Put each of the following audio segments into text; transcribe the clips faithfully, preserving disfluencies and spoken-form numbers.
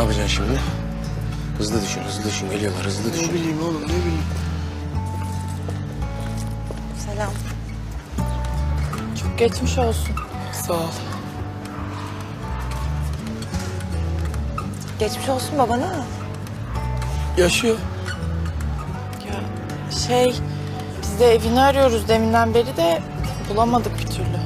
yapacaksın şimdi? Hızlı düşün, hızlı düşün. Geliyorlar, hızlı düşün. Ne bileyim oğlum, ne bileyim. Selam. Çok geçmiş olsun. Sağ ol. Geçmiş olsun babana. Yaşıyor. Ya şey, biz de evini arıyoruz deminden beri de bulamadık bir türlü.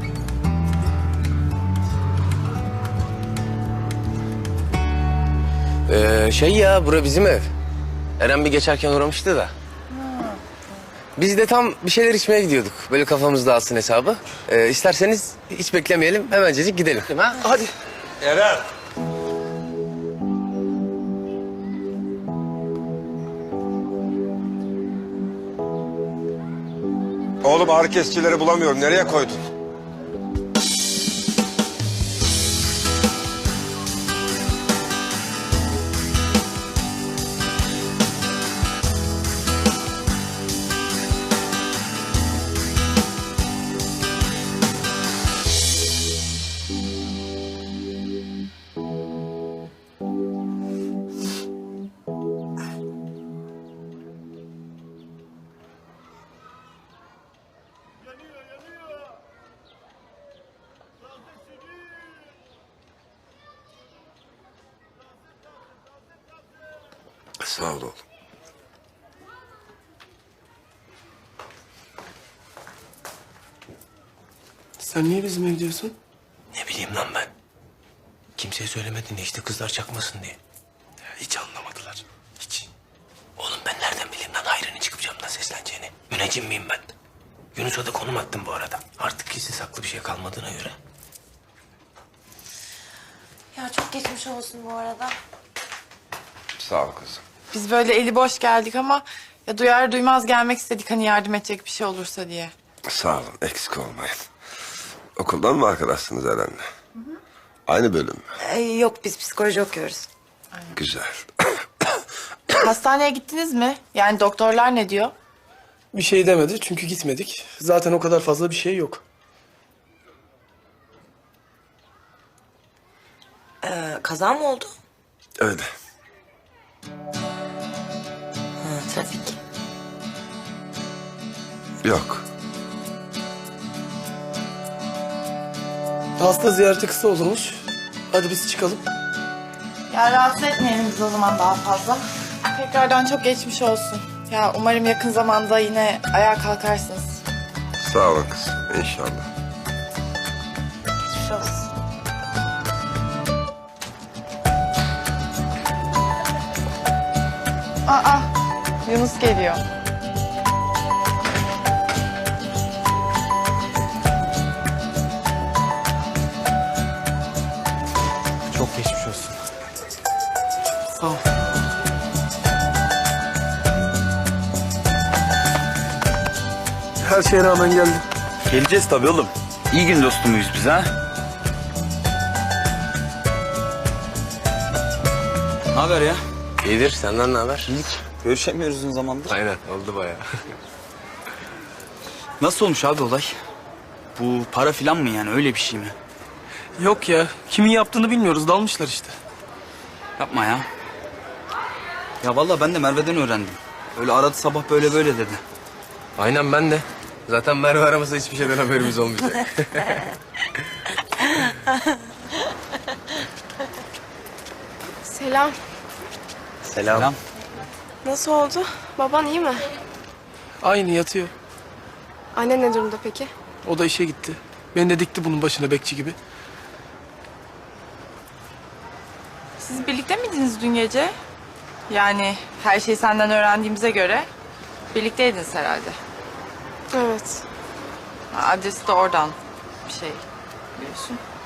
Ee, şey ya, bura bizim ev. Eren bir geçerken uğramıştı da. Biz de tam bir şeyler içmeye gidiyorduk. Böyle kafamız dağılsın hesabı. Ee, isterseniz hiç beklemeyelim, hemencecik gidelim. Ha? Hadi. Eren. Oğlum ağrı kesicileri bulamıyorum. Nereye koydun? Sağ ol oğlum. Sen niye bizim ev diyorsun? Ne bileyim lan ben. Kimseye söylemedin ya, işte kızlar çakmasın diye. Ya hiç anlamadılar. Hiç. Oğlum ben nereden bileyim lan Hayri'nin çıkıp camdan sesleneceğini? Müneccim miyim ben? Yunus'a da konum attım bu arada. Artık gizli saklı bir şey kalmadığına göre. Ya çok geçmiş olsun bu arada. Sağ ol kızım. Biz böyle eli boş geldik ama ya duyar duymaz gelmek istedik hani yardım edecek bir şey olursa diye. Sağ olun, eksik olmayın. Okuldan mı arkadaşsınız Eren'le? Hı hı. Aynı bölüm mü? Ee, yok biz psikoloji okuyoruz. Güzel. Hastaneye gittiniz mi? Yani doktorlar ne diyor? Bir şey demedi çünkü gitmedik. Zaten o kadar fazla bir şey yok. Ee, kaza mı oldu? Öyle. Ha, trafik. Yok. Hasta ziyareti kısa olurmuş. Hadi biz çıkalım. Ya rahatsız etmeyelim biz o zaman daha fazla. Tekrardan çok geçmiş olsun. Ya umarım yakın zamanda yine ayağa kalkarsınız. Sağ olun kızım, inşallah. Geçmiş olsun. Aa, Yunus geliyor. Çok geçmiş olsun. Sağ ol. Her şeye rağmen geldim. Geleceğiz tabii oğlum. İyi gün dostu muyuz biz ha? Ne haber ya? İyidir, senden ne haber? İyilik. Görüşemiyoruz uzun zamandır. Aynen, oldu bayağı. Nasıl olmuş abi olay? Bu para filan mı yani öyle bir şey mi? Yok ya, kimin yaptığını bilmiyoruz. Dalmışlar işte. Yapma ya. Ya vallahi ben de Merve'den öğrendim. Öyle aradı sabah böyle böyle dedi. Aynen ben de. Zaten Merve aramasa hiçbir şeyden haberimiz olmayacak. Selam. Selam. Selam. Nasıl oldu? Baban iyi mi? Aynı yatıyor. Anne ne durumda peki? O da işe gitti. Beni de dikti bunun başına bekçi gibi. Siz birlikte miydiniz dün gece? Yani her şeyi senden öğrendiğimize göre birlikteydiniz herhalde. Evet. Ha, adresi de oradan bir şey biliyorsun.